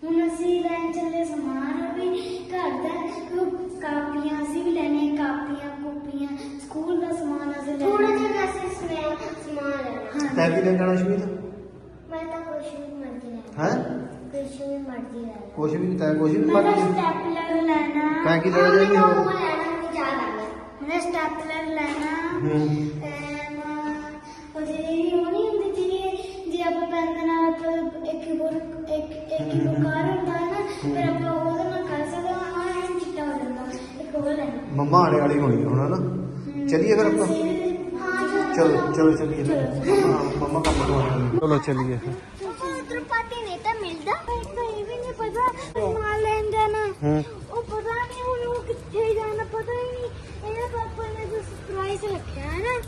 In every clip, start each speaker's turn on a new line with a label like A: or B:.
A: ਹੁਣ ਅਸੀਂ ਲੈਣ ਚੱਲੇ ਸਮਾਨ ਵੀ ਘਰ ਦਾ ਕਾਪੀਆਂ ਅਸੀਂ ਵੀ ਲੈਣੇ ਕਾਪੀਆਂ ਕੋਪੀਆਂ ਸਕੂਲ ਦਾ ਸਮਾਨ ਅਸੀਂ ਲੈਣਾ ਥੋੜਾ ਜਿਹਾ ਅਸੀਂ ਸਮਾਨ ਲੈਣਾ
B: ਤੈਂ ਕੀ ਲੈਣ ਜਾਣਾ ਸ਼ਮੀਤ?
A: ਮੈਂ ਤਾਂ ਕੁਛ ਵੀ ਮਰਜ਼ੀ ਲੈਣਾ
B: ਹੈ
A: ਕੁਛ ਵੀ ਮਰਜ਼ੀ ਲੈਣਾ
B: ਕੁਛ ਵੀ ਨਹੀਂ, ਤੈਂ ਕੁਛ ਵੀ
A: ਮੈਂ
B: ਮਰਜ਼ੀ
A: ਸਟੈਪਲਰ ਲੈਣਾ
B: ਤੈਂ ਕੀ ਲੈਣਾ ਜਾਏਗੀ ਹੋਰ?
A: ਮੈਂ ਸਟੈਪਲਰ ਲੈਣਾ
B: ਹੂੰ
A: ਉਹ ਜਿਹੜੀ ਉਹ ਨਹੀਂ ਹੁੰਦੀ ਜਿਹੜੀ ਜੇ ਆਪਾਂ ਪੈਨ ਦੇ ਨਾਲ ਇੱਕ ਕਾਰ ਹੁੰਦਾ ਹੈ ਨਾ ਫਿਰ ਆਪਾਂ ਉਹਦੇ ਨਾਲ ਕਰ ਸਕਦੇ ਹਾਂ ਆਹ ਐਂ ਚਿੱਟਾ ਹੋ ਜਾਂਦਾ ਇੱਕ ਹੋਰ ਲੈਣਾ
B: ਮੰਮਾ ਆਣੇ ਵਾਲੀ ਹੋਣੀ ਹੁਣ ਹੈ ਨਾ। चलिए फिर अपन चलो चलो चलिए मम्मा काम तो चलो चलिए
A: पता नहीं तो मिलता कहीं भी नहीं पता माल लेन जाना वो पता नहीं वो कितने जाना पता ही नहीं मेरे पापा ने जो सरप्राइज रखा है ना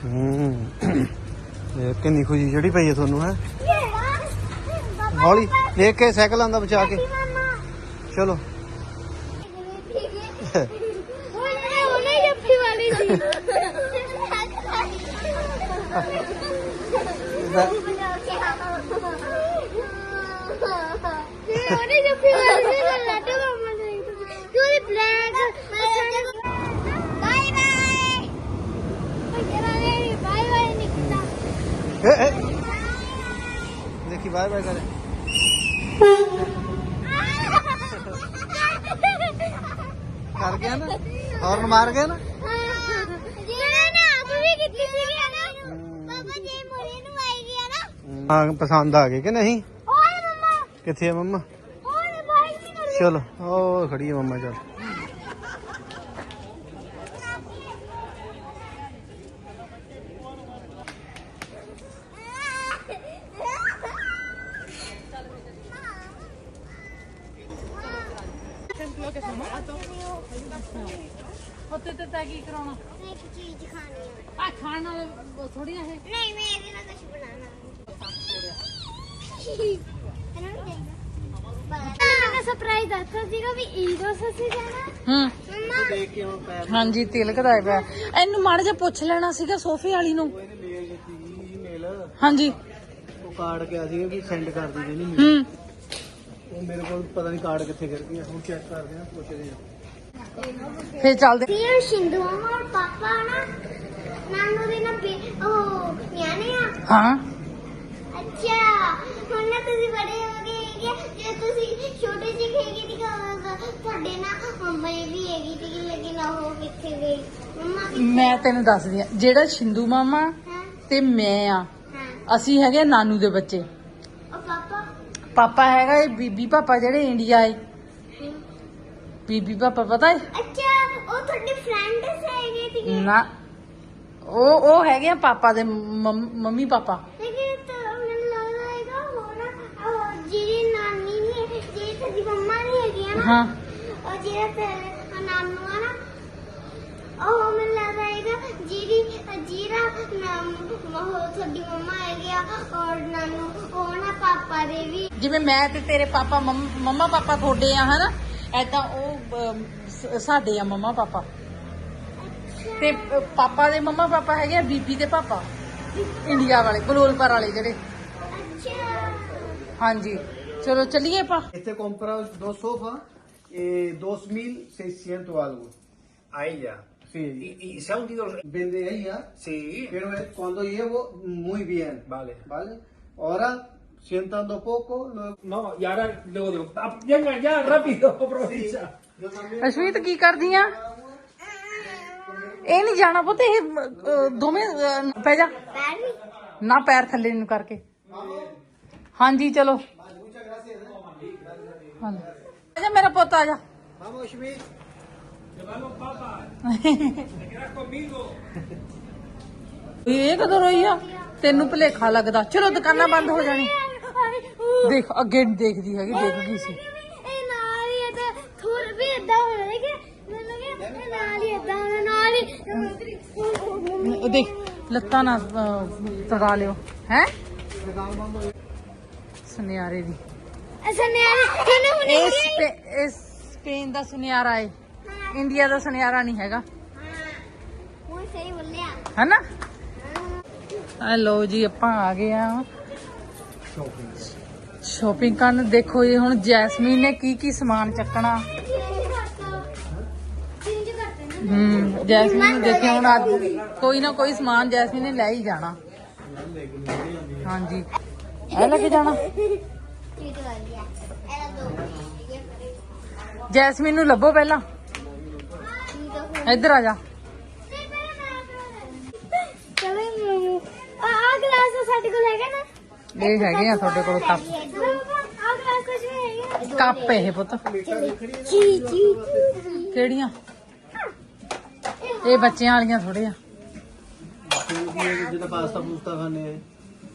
B: कितनी खुशी चढ़ी पई है थोनू है हौली देख के साइकिल आंदा बचा के चलो देखी बाय बाय करे कर गया ना हॉर्न मार गया ना हाँ पसंद आ गए कि नहीं किथे है मम्मा चलो ओ खड़ी है मम्मा चल
C: ਉੱਤੇ ਤੇ ਤੈ ਕੀ ਕਰਾਉਣਾ
A: मैं एक चीज खानी है
C: ਆ ਖਾਣ ਨਾਲ ਥੋੜੀਆਂ ਇਹ
A: नहीं मैं ये ना कुछ बनाना मैंने सरप्राइज दसा सीगा भी ईदो से जाना मम्मा
B: देख के हम पैर
C: ਹਾਂਜੀ ਤਿਲਕ ਦਾ ਪਿਆ ਇਹਨੂੰ ਮਾੜਾ ਜਿਹਾ ਪੁੱਛ ਲੈਣਾ ਸੀਗਾ ਸੋਫੇ ਵਾਲੀ ਨੂੰ
B: ईमेल
C: ਹਾਂਜੀ
B: वो कार्ड क्या सी कि सेंड कर दी नहीं वो मेरे को पता नहीं कार्ड किथे कर गया हम चेक करते हैं पूछते हैं
C: ਫੇਰ ਚੱਲਦੇ
A: फिर शिंदू मामा और पापा ना नानू दे ना ओ न्याने आ
C: ਹਾਂ
A: अच्छा ਹੁਣ ਨਾ ਤੁਸੀਂ ਬੜੇ ਹੋ ਗਏ ਹੈਗੇ ਜੇ ਤੁਸੀਂ ਛੋਟੇ ਜਿਹੇ ਹੈਗੇ ਦੀ ਤੁਹਾਡੇ ਨਾ ਮੰਮਾ ਵੀ ਹੈਗੀ ਸੀ ਲੇਕਿਨ ਉਹ ਕਿੱਥੇ ਗਈ ਮੰਮਾ
C: ਮੈਂ ਤੈਨੂੰ ਦੱਸਦੀ ਆ ਜਿਹੜਾ ਸ਼ਿੰਦੂ ਮਾਮਾ
A: ਹਾਂ
C: ਤੇ ਮੈਂ ਆ
A: ਹਾਂ
C: ਅਸੀਂ ਹੈਗੇ ਨਾਨੂ ਦੇ ਬੱਚੇ
A: ਉਹ ਪਾਪਾ
C: ਪਾਪਾ ਹੈਗਾ ਇਹ ਬੀਬੀ ਪਾਪਾ ਜਿਹੜੇ ਇੰਡੀਆ ਏ ਬੀਬੀ ਪਾਪਾ ਪਤਾ ਏ
A: ਅੱਛਾ ਉਹ ਤੁਹਾਡੇ ਫਰੈਂਡ ਹੈਗੇ ਸੀਗੇ
C: ਨਾ ਉਹ ਹੈਗੇ ਆ ਪਾਪਾ ਦੇ ਮੰਮੀ ਪਾਪਾ
A: ਲੇਕਿਨ ਤਾਂ ਮੈਨੂੰ ਲੱਗਦਾ ਹੈਗਾ ਉਹ ਨਾ ਜਿਹੜੀ ਨਾਨੀ ਨੇ ਜਿਹੜੀ ਤੁਹਾਡੀ ਮੰਮਾ ਨਹੀਂ ਹੈਗੀ ਆ ਨਾ
C: ਹਾਂ
A: ਉਹ ਜਿਹੜਾ ਤੇ ਨਾਨੂ ਆ ਨਾ ਉਹ ਮੈਨੂੰ ਲੱਗਦਾ ਹੈਗਾ ਜੀਰਾ ਨਾਮ ਤੁਹਾਡੀ ਮੰਮਾ ਹੈਗੇ ਆ ਔਰ ਨਾਨੂ ਉਹ ਨਾ ਪਾਪਾ ਦੇ ਵੀ
C: ਜਿਵੇਂ ਮੈਂ ਤੇ ਤੇਰੇ ਪਾਪਾ ਮੰਮਾ ਪਾਪਾ ਤੁਹਾਡੇ ਆ ਹਨਾ ਐਦਾਂ ਉਹ ਸਾਡੇ ਆ ਮੰਮਾ ਪਾਪਾ ਤੇ ਪਾਪਾ ਦੇ ਮੰਮਾ ਪਾਪਾ ਹੈਗੇ ਆ ਬੀਬੀ ਦੇ ਪਾਪਾ ਇੰਡੀਆ ਵਾਲੇ ਬਲੋਲਪੁਰ ਵਾਲੇ ਜਿਹੜੇ
A: ਅੱਛਾ
C: ਹਾਂਜੀ ਚਲੋ ਚੱਲੀਏ ਆਪਾਂ
B: Este comprado 2 sofás, 2.600 algo.
D: Ahí ya.
B: Sí.
D: ¿Y se ha hundido?
B: Vende ella,
D: Sí.
B: pero cuando llevo muy bien.
D: Vale.
B: ¿Vale? Ahora, sientando poco, luego...
D: No, y ahora luego digo, venga ya, rápido, aprovecha.
B: Yo también.
C: Ashmeet ਕੀ ਕਰਦੀ ਆ ਇਹ ਨਹੀਂ ਜਾਣਾ ਪੁੱਤ ਇਹ ਦੋਵੇਂ ਪੈ ਜਾ
A: ਪੈਰ ਨਹੀਂ
C: ਨਾ ਪੈਰ ਥੱਲੇ ਨੂੰ ਕਰਕੇ ਹਾਂਜੀ ਚਲੋ ਹਾਂਜੀ ਆ ਜਾ ਮੇਰਾ ਪੁੱਤ ਆ ਜਾ
B: Vamos, Schmidt.
C: ਇਹ ਕਦੋਂ ਰੋਈ ਆ ਤੈਨੂੰ ਭੁਲੇਖਾ ਲੱਗਦਾ ਚਲੋ ਦੁਕਾਨਾਂ ਬੰਦ ਹੋ ਜਾਣੀ ਦੇਖ ਅੱਗੇ ਨੀ ਦੇਖਦੀ ਹੈਗੀ ਦੇਖ ਗਈ ਸੀ
A: ਇਹ ਨਾਲ ਹੀ ਤਾਂ ਥੋੜਾ ਵੀ ਇਦਾਂ ਹੋ ਰਿਹਾ ਕਿ ਮੈਨੂੰ ਲੱਗਿਆ ਇਹ ਨਾਲ ਹੀ ਇਦਾਂ ਨਾਲ ਹੀ
C: ਉਹ ਦੇਖ ਲੱਤਾਂ ਨਾ ਤੜਾ ਲਿਓ ਹੈ ਸੁਨਿਆਰੇ ਦੀ
A: ਅਸਾਂ ਨੇ ਇਹਨੇ ਹੁਣ
C: ਇਹ ਸਪੇਨ ਦਾ ਸੁਨਿਆਰਾ ਏ ਇੰਡੀਆ ਦਾ ਸੁਨਿਆਰਾ ਨਹੀਂ ਹੈਗਾ
A: ਹੁਣ ਸਹੀ ਬੋਲਿਆ
C: ਹੈਨਾ ਹੈਲੋ ਜੀ ਆਪਾਂ ਆ ਗਏ ਆ ਸ਼ੋਪਿੰਗ ਕਰਨ ਦੇਖੋ ਜੀ ਹੁਣ ਜੈਸਮੀਨ ਨੇ ਕੀ ਸਮਾਨ ਚੱਕਣਾ। ਜੈਸਮੀਨ ਨੂੰ ਦੇਖਿਆ ਹੁਣ ਅੱਜ ਕੋਈ ਨਾ ਕੋਈ ਸਮਾਨ ਜੈਸਮੀਨ ਨੇ ਲੈ ਹੀ ਜਾਣਾ। ਹਾਂਜੀ ਇਹ ਲੈ ਕੇ ਜਾਣਾ। ਜੈਸਮੀਨ ਨੂੰ ਲੱਭੋ ਪਹਿਲਾਂ, ਇੱਧਰ ਆ ਜਾ।
A: ਚਲੋ ਆ ਗਲਾਸ ਸਾਡੇ ਕੋਲ ਹੈਗਾ ਨਾ।
C: ਇਹ ਹੈਗੇ ਆ ਤੁਹਾਡੇ ਕੋਲ ਕੱਪ।
A: ਆ ਗਲਾਸ ਕੁਝ ਨਹੀਂ ਹੈਗਾ।
C: ਕੱਪ ਇਹ ਪੁੱਤ
A: ਜੀ
C: ਕਿਹੜੀਆਂ? ਇਹ ਬੱਚਿਆਂ ਵਾਲੀਆਂ ਥੋੜੇ ਆ।
B: ਜਿੱਦਾਂ ਪਾਸਤਾ ਪੂਸਤਾ ਖਾਣੇ ਆ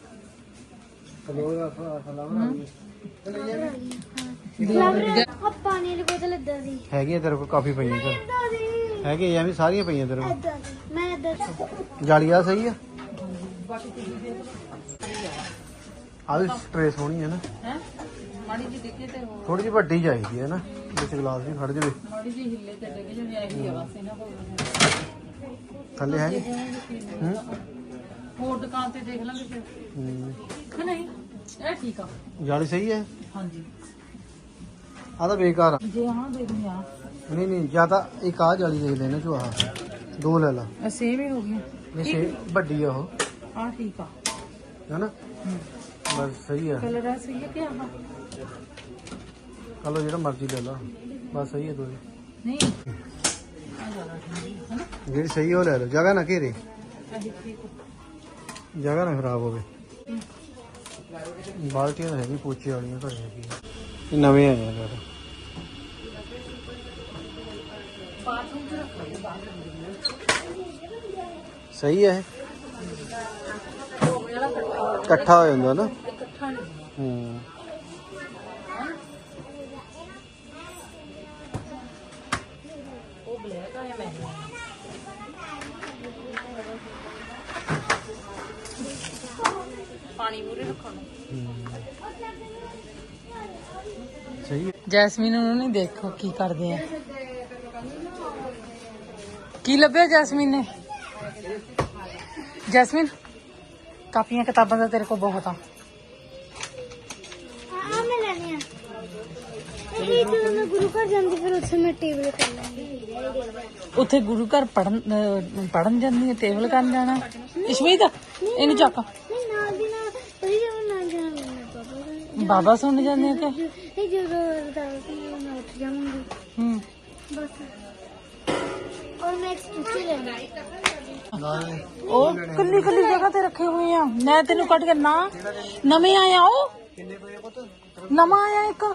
A: ਪਾਣੀ ਦੀ ਬੋਤਲ ਏਦਾਂ ਦੀ
B: ਹੈਗੀ ਤੇਰੇ ਕੋਲ ਕਾਫੀ ਪਈਆਂ ਸਰ
A: ਏਦਾਂ ਦੀ
B: ਹੈਗੇ ਐਵੇਂ ਸਾਰੀਆਂ ਪਈਆਂ ਤੇਰੇ ਕੋਲ।
A: ਏਦਾਂ ਦੀ ਮੈਂ ਏਦਾਂ
B: ਜਾਲੀ ਆ ਸਹੀ ਆ। ਆ ਵੀ ਸਟ੍ਰੇ ਸੋਹਣੀ ਹੈ ਨਾ।
C: ਹੈ ਮਾੜੀ ਜੀ ਦੇਖੇ ਤੇ ਹੋਰ
B: ਥੋੜੀ ਜਿਹੀ ਵੱਡੀ ਚਾਹੀਦੀ ਹੈ ਨਾ, ਵਿੱਚ ਗਲਾਸ ਵੀ ਖੜ ਜਾਵੇ।
C: ਮਾੜੀ ਜੀ ਹਿੱਲੇ ਤੇ ਡਿੱਗ ਜਾਵੇ ਇਹੀ ਆ ਬਸ ਇਹਨਾਂ ਕੋਲ।
B: ਥੱਲੇ ਹੈ
C: ਹੋਰ ਦੁਕਾਨ ਤੇ ਦੇਖ ਲਾਂਗੇ ਫਿਰ ਕਿ ਨਹੀਂ। ਇਹ ਠੀਕ ਆ।
B: ਜਾਲੀ ਸਹੀ ਹੈ।
C: ਹਾਂਜੀ
B: ਆ ਤਾਂ ਬੇਕਾਰ ਆ।
C: ਜੇ ਹਾਂ ਦੇਖਦੇ ਆ
B: ਨਹੀਂ ਜਾਂ ਤਾਂ ਇੱਕ ਆ ਜਾਲੀ ਦੇਖ ਲੈਣਾ ਚੋ ਆਹ ਦੋ ਲੈ ਲਾ।
C: ਸੇਮ ਹੀ ਹੋ ਗਈਆਂ।
B: ਨਹੀਂ ਸੇ ਵੱਡੀ ਆ ਉਹ
C: ਆ ਠੀਕ ਆ।
B: ਹੈਨਾ ਬਸ ਸਹੀ ਆ।
C: ਕਲਰ ਆ ਸਹੀ ਹੈ ਕਿ ਆਹ
B: ਚਲੋ ਜਿਹੜਾ ਮਰਜ਼ੀ ਲੈ ਲਾ ਬਸ ਸਹੀ ਹੈ ਦੋਵੇਂ।
C: ਨਹੀਂ ਆ ਜ਼ਿਆਦਾ ਠੀਕ ਹੈ ਨਾ।
B: ਜਿਹੜੀ ਸਹੀ ਉਹ ਲੈ ਲਓ, ਜਗ੍ਹਾ ਨਾ ਘੇਰੇ,
C: ਆਹੀ ਠੀਕ ਆ।
B: ਜਗ੍ਹਾ ਨਾ ਖਰਾਬ ਹੋਵੇ। ਬਾਲਟੀਆਂ ਤਾਂ ਹੈਗੀ ਪੋਚੇ ਵਾਲੀਆਂ ਘਰੇ ਹੈਗੀ। ਇਹ ਨਵੇਂ ਆਏ ਆ ਯਾਰ। ਸਹੀ ਹੈ ਇਕੱਠਾ ਹੋ ਜਾਂਦਾ ਨਾ।
C: ਇਕੱਠਾ ਨਹੀਂ
B: ਹੂੰ
C: ਉਹ ਬਲੈਕ ਆ ਜਾਂ ਮਹਿੰਗਾ। ਪਾਣੀ ਮੂਰੇ ਰੱਖਣਾ।
B: ਸਹੀ ਹੈ।
C: ਜੈਸਮੀਨ ਨੂੰ ਨਹੀਂ ਦੇਖੋ ਕੀ ਕਰਦੇ ਆ। ਕੀ ਲੱਭਿਆ ਜੈਸਮੀਨ ਨੇ? ਜੈਸਮੀਨ ਕਾਪੀਆਂ ਕਿਤਾਬਾਂ ਦਾ ਤੇਰੇ ਕੋਲ ਬਹੁਤ ਆ।
A: ਮੈਂ ਲੈਣੇ ਆ। ਇਹ ਜਦੋਂ ਮੈਂ ਗੁਰੂ ਘਰ ਜਾਂਦੀ ਫਿਰ ਉੱਥੇ ਮੈਂ ਟੇਬਲ ਕਰ ਲਾਂਗੀ।
C: ਉੱਥੇ ਗੁਰੂ ਘਰ ਪੜਨ ਜਾਂਦੀ ਹੈ, ਟੇਬਲ ਕਰਨ ਜਾਣਾ। ਇਸ਼ਮੀਤ ਇਹਨੂੰ ਚੱਕ।
A: ਨਹੀਂ ਨਾਲ ਦੀ ਨਾਲ ਉਹਦੀ ਜਦੋਂ ਨਾਲ ਜਾਣਾ ਮੈਂ
C: ਬਾਬਾ ਸੁਣ ਜਾਂਦੇ ਆ ਕਿ
A: ਇਹ ਜਦੋਂ ਅਰਦਾਸ ਮੈਂ ਉੱਠ ਜਾਵਾਂਗੀ
C: ਹੂੰ।
A: ਬਸ। ਔਰ ਮੈਂ ਇੱਕ ਸਟਿੱਚ ਲੈਣਾ।
C: ਉਹ ਕੱਲੀ ਜਗ੍ਹਾ ਤੇ ਰੱਖੇ ਹੋਏ ਆ। ਮੈਂ ਤੈਨੂੰ ਕੱਢ ਕੇ ਨਾ ਨਵੇਂ ਆਇਆ ਉਹ ਨਵਾਂ ਆਇਆ ਇੱਕ।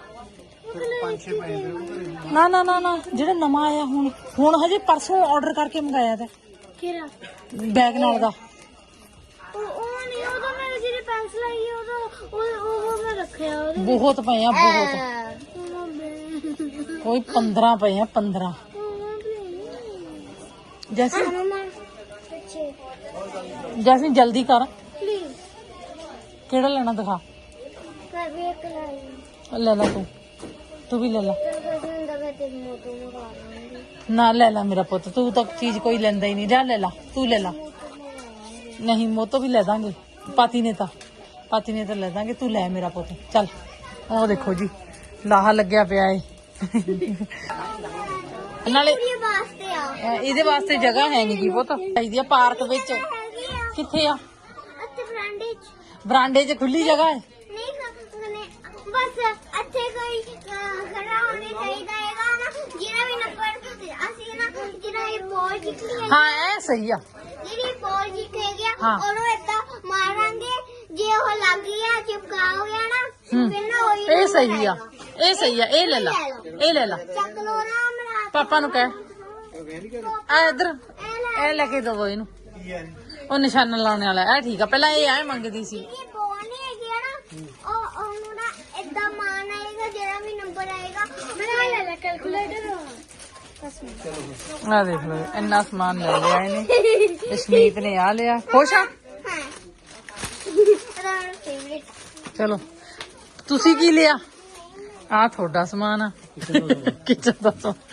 C: ਨਾ ਜਿਹੜਾ ਨਵਾਂ ਆਇਆ ਹੁਣ ਹਜੇ ਪਰਸੋਂ ਆਰਡਰ ਕਰਕੇ ਮੰਗਾਇਆ ਤੇ
A: ਕਿਹੜਾ
C: ਬੈਗ ਨਾਲ ਦਾ।
A: ਉਹ ਨਹੀਂ ਉਹਦਾ ਮੈਂ ਜਿਹੜੀ ਪੈਨਸਲ ਆਈ ਹੈ ਉਹਦਾ ਉਹ ਮੈਂ ਰੱਖਿਆ ਉਹਦੇ
C: ਬਹੁਤ ਪਏ ਆ ਬਹੁਤ। ਕੋਈ 15 ਪਏ ਆ 15। ਜੈਸਮੀਨ ਜਲਦੀ ਕਰ।
A: ਪਲੀਜ਼
C: ਕਿਹੜਾ ਲੈਣਾ ਦਿਖਾ।
A: ਕਰ ਵੀ ਇੱਕ ਲਾਈ
C: ਲੈ ਲੈ ਤੂੰ ਵੀ ਲੈ ਲੈ।
A: ਤੇਰੀ ਮੋਟੋ ਮੰਗਾ ਲਾਂਗੀ।
C: ਨਾ ਲੈ ਲੈ ਮੇਰਾ ਪੁੱਤ, ਤੂੰ ਤਾਂ ਚੀਜ਼ ਕੋਈ ਲੈਂਦਾ ਹੀ ਨਹੀਂ। ਜਾ ਲੈ ਲਾ ਤੂੰ ਲੈ ਲਾ। ਨਹੀਂ ਮੋਤੋ ਵੀ ਲੈ ਦਾਂਗੇ। ਪਾਤੀ ਨੇ ਤਾਂ ਲੈ ਦਾਂਗੇ। ਤੂੰ ਲੈ ਮੇਰਾ ਪੁੱਤ ਚੱਲ। ਉਹ ਦੇਖੋ ਜੀ ਲਾਹਾ ਲੱਗਿਆ ਪਿਆ ਏ। ਨਾਲੇ
A: ਵਾਸਤੇ ਆ
C: ਇਹਦੇ ਵਾਸਤੇ ਜਗ੍ਹਾ ਹੈ ਨਹੀਂ ਕੀ ਪੁੱਤ। ਚਾਹੀਦੀ ਆ ਪਾਰਕ ਵਿੱਚ। ਕਿੱਥੇ ਆ?
A: ਅੱਤੇ
C: ਬਰਾਂਡੇ 'ਚ ਖੁੱਲੀ ਜਗ੍ਹਾ ਹੈ।
A: ਨਹੀਂ ਬਸ ਇੱਥੇ ਕੋਈ ਖੜਾ ਹੋਣੇ ਚਾਹੀਦਾ ਹੈਗਾ ਨਾ। ਜਿਹੜਾ ਵੀ ਨੰਬਰ ਅਸੀਂ ਨਾ ਜਿਹੜਾ ਇਹ ਬੋਲ ਜਿੱਤੀ ਹੈ
C: ਹਾਂ ਇਹ ਸਹੀ ਆ।
A: ਜਿਹੜੀ ਬੋਲ ਜਿੱਤੇ ਗਿਆ
C: ਹਾਂ।
A: ਉਹਨੂੰ ਏਦਾਂ ਮਾਰਾਂਗੇ। ਜੇ ਉਹ ਲੱਗ ਗਿਆ ਚਿਪਕਾ ਹੋ ਗਿਆ ਨਾ ਫਿਰ ਨਾ ਉਹੀ
C: ਇਹ ਸਹੀ ਆ। ਇਹ ਲੈ ਲਾ
A: ਚੱਕ ਲੋ ਨਾ ਮੇਰਾ
C: ਪਾਪਾ ਨੂੰ ਕਹਿ ਆ ਇੱਧਰ ਇਹ ਲੈ ਕੇ ਦਵੋ ਇਹਨੂੰ। ਉਹ ਨਿਸ਼ਾਨਾ ਲਾਉਣੇ ਵਾਲਾ ਇਹ ਠੀਕ ਆ। ਪਹਿਲਾਂ ਇਹ ਐ ਮੰਗਦੀ ਸੀ।
A: ਇਹ ਬੋਲ ਨਹੀਂ ਹੈਗੀ ਆ ਨਾ ਉਹਨੂੰ ਨਾ ਏਦਾਂ ਮਾਰਨਾ ਹੈਗਾ। ਜਿਹੜਾ ਵੀ ਨੰਬਰ ਆਏਗਾ ਮੈਂ ਲੈ ਕੈਲਕੂਲੇਟਰ।
C: ਆ ਦੇਖ ਲਓ ਇੰਨਾ ਸਮਾਨ ਲੈ ਲਿਆ ਇਹਨੇ। ਜਸਮੀਤ ਨੇ ਆ ਲਿਆ। ਖੁਸ਼ ਆ? ਚਲੋ ਤੁਸੀਂ ਕੀ ਲਿਆ? ਆ ਤੁਹਾਡਾ ਸਮਾਨ ਆ। ਕਿਚਨ ਦਾ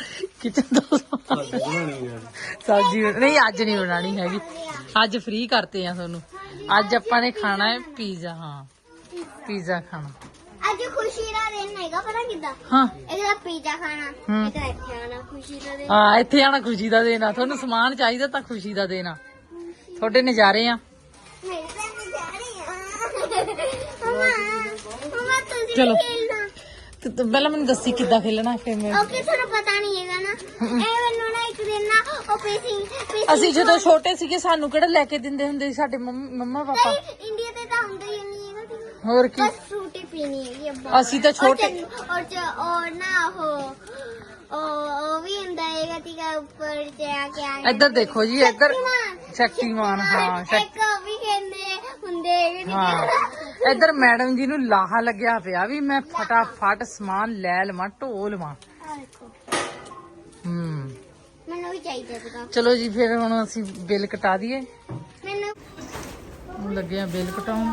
C: ਸਬਜ਼ੀ ਨਹੀਂ ਅੱਜ ਨਹੀਂ ਬਣਾਣੀ ਹੈਗੀ। ਅੱਜ ਫ੍ਰੀ ਕਰਤੇ ਆ ਤੁਹਾਨੂੰ। ਅੱਜ ਆਪਾਂ ਨੇ ਖਾਣਾ ਹੈ ਪੀਜ਼ਾ। ਹਾਂ ਪੀਜ਼ਾ ਖਾਣਾ।
A: ਅੱਜ ਖੁਸ਼ੀ ਦਾ ਦਿਨ ਹੈਗਾ ਪਤਾ ਕਿੱਦਾਂ
C: ਹਾਂ
A: ਇਹਦਾ ਪੀਜ਼ਾ ਖਾਣਾ
C: ਹੂੰ।
A: ਇਹਦਾ ਇੱਥੇ ਆਣਾ ਖੁਸ਼ੀ ਦਾ ਦਿਨ
C: ਹਾਂ ਇੱਥੇ ਆਣਾ ਖੁਸ਼ੀ ਦਾ ਦੇਣਾ ਤੁਹਾਨੂੰ ਸਮਾਨ ਚਾਹੀਦਾ ਤਾਂ ਖੁਸ਼ੀ ਦਾ ਦੇਣਾ ਤੁਹਾਡੇ ਨਜ਼ਾਰੇ ਆ
A: ਮੇਰੇ ਤੇ ਜਾ ਰਹੀ ਆ ਮਮਾ ਤੁਸੀਂ
C: ਚਲੋ।
A: ਖੇਲਣਾ
C: ਤੇ ਪਹਿਲਾਂ ਮੈਨੂੰ ਦੱਸੀ ਕਿੱਦਾਂ ਖੇਲਣਾ ਫਿਰ ਮੈਂ
A: ਓਕੇ ਤੁਹਾਨੂੰ ਪਤਾ ਨਹੀਂ ਹੈਗਾ ਨਾ ਇਹ ਮੈਨੂੰ ਨਾ ਇੱਕ ਦਿਨ ਨਾ ਉਹ ਪੇਸਿੰਗ
C: ਅਸੀਂ ਜਦੋਂ ਛੋਟੇ ਸੀਗੇ ਸਾਨੂੰ ਕਿਹੜਾ ਲੈ ਕੇ ਦਿੰਦੇ ਹੁੰਦੇ ਸੀ ਸਾਡੇ ਮੰਮਾ ਪਾਪਾ
A: ਇੰਡੀਆ ਤੇ ਤਾਂ ਹੁੰਦਾ ਹੀ ਨਹੀਂ ਹੈਗਾ ਤੁਸੀਂ
C: ਹੋਰ ਕੀ
A: ਬਸ ਫਰੂਟੀ ਪੀਣੀ ਹੈਗੀ ਅੱਬਾ
C: ਅਸੀਂ ਤਾਂ ਛੋਟੇ
A: ਔਰ ਨਾ ਉਹ ਵੀ ਹੁੰਦਾ ਹੈਗਾ ਤੀਗਾ ਉੱਪਰ ਜਾ ਕੇ ਆਣਾ
C: ਇੱਧਰ ਦੇਖੋ ਜੀ ਇੱਧਰ ਸ਼ਕਤੀਮਾਨ ਹਾਂ
A: ਇੱਕ ਉਹ ਵੀ ਕਹਿੰਦੇ ਹੁੰਦੇ ਹੈਗੇ
C: ਹਾਂ ਇੱਧਰ ਮੈਡਮ ਜੀ ਨੂੰ ਲਾਹਾ ਲੱਗਿਆ ਪਿਆ ਵੀ ਮੈਂ ਫਟਾਫਟ ਸਮਾਨ ਲੈ ਲਵਾਂ ਢੋ ਲਵਾਂ
A: ਆਹ ਦੇਖੋ
C: ਹੂੰ
A: ਮੈਨੂੰ ਵੀ ਚਾਹੀਦਾ ਸੀਗਾ
C: ਚਲੋ ਜੀ ਫਿਰ ਹੁਣ ਅਸੀਂ ਬਿੱਲ ਕਟਾ ਦਈਏ
A: ਮੈਨੂੰ
C: ਹੁਣ ਲੱਗੇ ਆ ਬਿੱਲ ਕਟਾਉਣ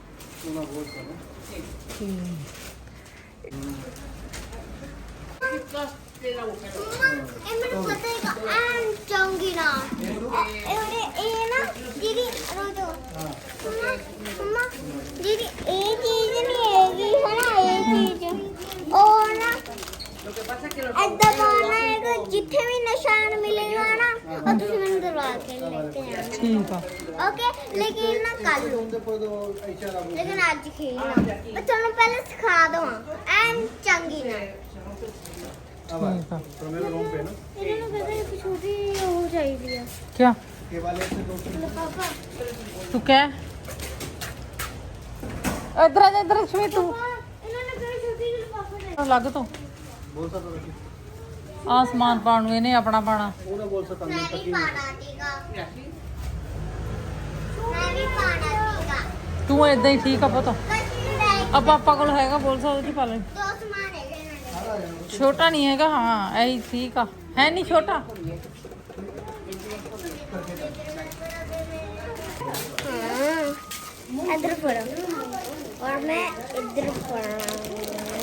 A: ਇਹ ਮੈਨੂੰ ਪਤਾ ਹੈਗਾ ਐਂ ਚਾਹੂੰਗੀ ਨਾ ਇਹ ਨਾ ਦੀਦੀ ਰੋਜੋ ਮਮਾ ਦੀਦੀ ਇਹ ਚੀਜ਼ ਨਹੀਂ ਹੈਗੀ ਹੈ ਨਾ ਇਹ ਚੀਜ਼ ਉਹ ਨਾ ਏਦਾਂ ਪਾਉਣਾ ਹੈਗਾ ਜਿੱਥੇ ਵੀ ਨਿਸ਼ਾਨ ਮਿਲੇਗਾ ਨਾ ਉਹ ਤੁਸੀਂ ਮੈਨੂੰ ਦਰਵਾ ਕੇ ਲੈ ਕੇ ਆਣਾ
C: ਠੀਕ ਆ
A: ओके लेकिन ना कल लेकिन आज खेलना मैं ਤੁਹਾਨੂੰ ਪਹਿਲੇ ਸਿਖਾ ਦਵਾਂ ਐਨ ਚੰਗੀ ਨਾ
C: ਠੀਕ ਆ
B: मेरा रूम पे ना
A: ਇਹਨਾਂ ਨੂੰ ਕਹਿੰਦੇ ਇੱਕ ਛੋਟੀ ਉਹ ਚਾਹੀਦੀ ਆ
C: ਕਿਆ
B: ये वाले से 2
A: ਲਿਫਾਫਾ
C: ਤੂੰ ਕਹਿ ਇੱਧਰ ਆ ਜਾ ਇੱਧਰ ਸ਼ਮੀ ਤੂੰ
A: ਇਹਨਾਂ ਨੇ ਕਹਿੰਦੇ ਛੋਟੀ ਲਿਫਾਫਾ ਦੇ
C: ਲੱਗ ਤੋਂ
B: बोल सकता था
C: ਆ ਸਮਾਨ ਪਾਉਣ ਨੂੰ ਇਹਨੇ ਆਪਣਾ ਪਾਣਾ
B: वो ना बोल सकता
A: ਮੈਂ ਵੀ ਪਾਣਾ ਸੀਗਾ ਮੈਂ ਵੀ ਪਾਣਾ ਸੀਗਾ
C: ਤੂੰ ਏਦਾਂ ਹੀ ਠੀਕ ਆ ਪੁੱਤ
A: ਕਸ਼ੀ ਲੈ
C: ਆ ਪਾਪਾ ਕੋਲ ਹੈਗਾ ਬੋਲ ਸਕਦਾ ਕੀ ਪਾ ਲੈ
A: ਦੋ ਸਮਾਨ ਹੈਗੇ ਇਹਨਾਂ ਦੇ
C: ਛੋਟਾ ਨਹੀਂ ਹੈਗਾ ਹਾਂ ਐ ਠੀਕ ਆ ਹੈ ਨਹੀਂ ਛੋਟਾ
A: हाँ इधर पढ़ो और मैं इधर पढ़ा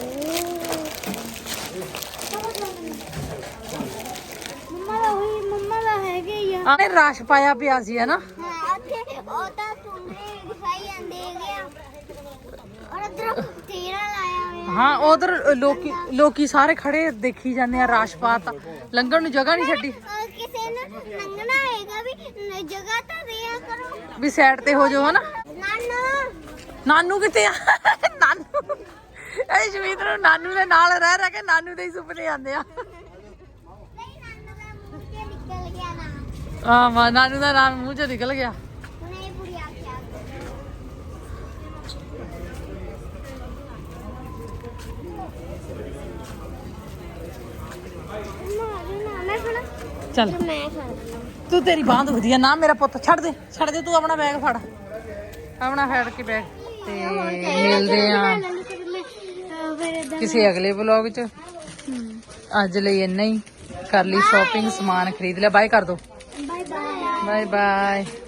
A: मम्मा का है कि यह
C: ਆਨੇ ਰਸ਼ ਪਾਇਆ ਪਿਆ ਸੀ ਹੈ ਨਾ
A: हाँ अच्छे और तो तुमने दिखाई दे गया और इधर तेरा लाया हुआ
C: ਹਾਂ ਉਧਰ ਲੋਕੀ ਸਾਰੇ ਖੜੇ ਦੇਖੀ ਜਾਂਦੇ ਆ ਰਸ਼ ਪਾਤਾ ਲੰਘਣ ਨੂੰ ਜਗ੍ਹਾ ਨਹੀਂ ਛੱਡੀ
A: किसी ने लंघना हैगा भी जगह तो दिया करो
C: ਵੀ ਸਾਈਡ ਤੇ ਹੋ ਜਾਓ ਹਨਾ
A: नानू
C: ਨਾਨੂ ਕਿੱਥੇ ਆ ਨਾਨੂ ਇਹ ਜਮੀਤ ਨੂੰ ਨਾਨੂ ਦੇ ਨਾਲ ਰਹਿ ਰਹਿ ਕੇ ਨਾਨੂ ਦੇ ਹੀ ਸੁਪਨੇ ਆਉਂਦੇ ਆ
A: नहीं नानू का मुंह से निकल गया ना
C: ਆ ਮਾ ਨਾਨੂ ਦਾ ਨਾਮ ਮੂੰਹ ਚੋਂ ਨਿਕਲ ਗਿਆ
A: नहीं पूरी आँखें मैं खड़ा
C: ਚੱਲ
A: मैं खड़ा
C: ਤੂੰ ਤੇਰੀ ਬਾਂਹ ਦੁਖਦੀ ਆ ਨਾ ਮੇਰਾ ਪੁੱਤ ਛੱਡ ਦੇ ਤੂੰ ਆਪਣਾ ਬੈਗ ਫੜ ਆਪਣਾ ਫੜ ਕੇ ਬੈਗ ਤੇ ਮਿਲਦੇ ਆ ਕਿਸੇ ਅਗਲੇ ਵਲੌਗ 'ਚ ਅੱਜ ਲਈ ਇੰਨਾ ਹੀ ਕਰ ਲਈ ਸ਼ਾਪਿੰਗ ਸਮਾਨ ਖਰੀਦ ਲਿਆ ਬਾਏ ਕਰ ਦੋ
A: बाय बाय
C: ਬਾਏ ਬਾਏ